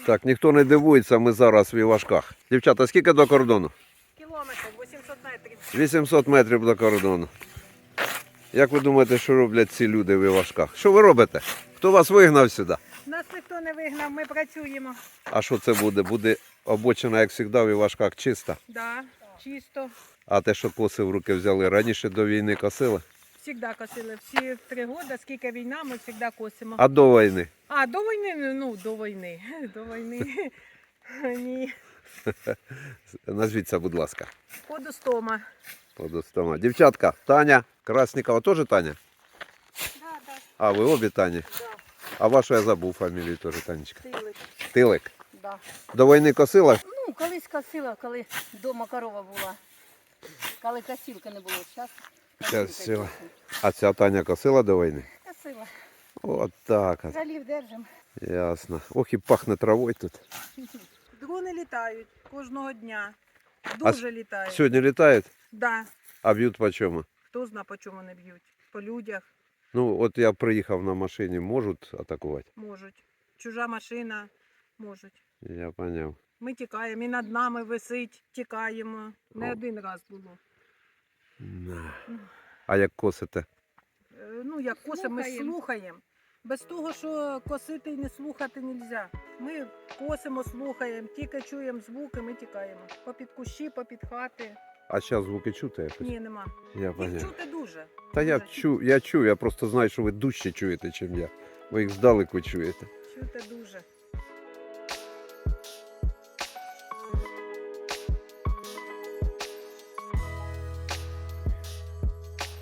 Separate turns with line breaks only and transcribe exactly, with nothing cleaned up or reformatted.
Так, ніхто не дивується, ми зараз в Івашках. Дівчата, скільки до кордону?
Кілометр, вісімсот метрів.
вісімсот метрів до кордону. Як ви думаєте, що роблять ці люди в Івашках? Що ви робите? Хто вас вигнав сюди?
Нас ніхто не вигнав, ми працюємо.
А що це буде? Буде обочина, як завжди, в Івашках чиста.
Да, чисто.
А те, що коси в руки взяли, раніше до війни косили?
Всігда косили. Всі три роки, скільки війна, ми завжди косимо.
А до війни?
А, до війни, ну, до війни. До війни. Ні.
Назвіться, будь ласка.
Подостома.
Подостома. Дівчатка, Таня Краснікова, теж Таня?
Да, да,
А, ви обі Тані?
да.
А вашу я забув фамілію теж, Танечка.
Тилик.
Тилик.
Да.
До війни косила?
Ну, колись косила, коли вдома корова була. Коли косілки не було. Зараз
Косила. А ця Таня косила до війни?
Косила.
От так от.
Залів держим.
Ясно. Ох і пахне травою тут.
Дрони літають кожного дня.
А
Дуже літають.
Сьогодні літають,
Да.
а б'ють по чому?
Хто знає, по чому не б'ють. По людях
Ну, от я приїхав на машині, можуть атакувати?
можуть. Чужа машина можуть.
Я зрозумів.
Ми тікаємо, і над нами висить, тікаємо. Не
О.
один раз було.
А як косите?
Е, Ну, як косимо, ми
Слухаємо.
слухаємо. Без того, що косити і не слухати не можна. Ми косимо, слухаємо, тільки чуємо звуки, ми тікаємо. Попід кущі, попід хати.
А зараз звуки чути якось?
Ні, нема.
Я
Їх
зрозумів.
чути дуже.
Та я
Дуже
чую, я чую, я просто знаю, що ви дужче чуєте, ніж я. Ви їх здалеку чуєте.
Чути дуже.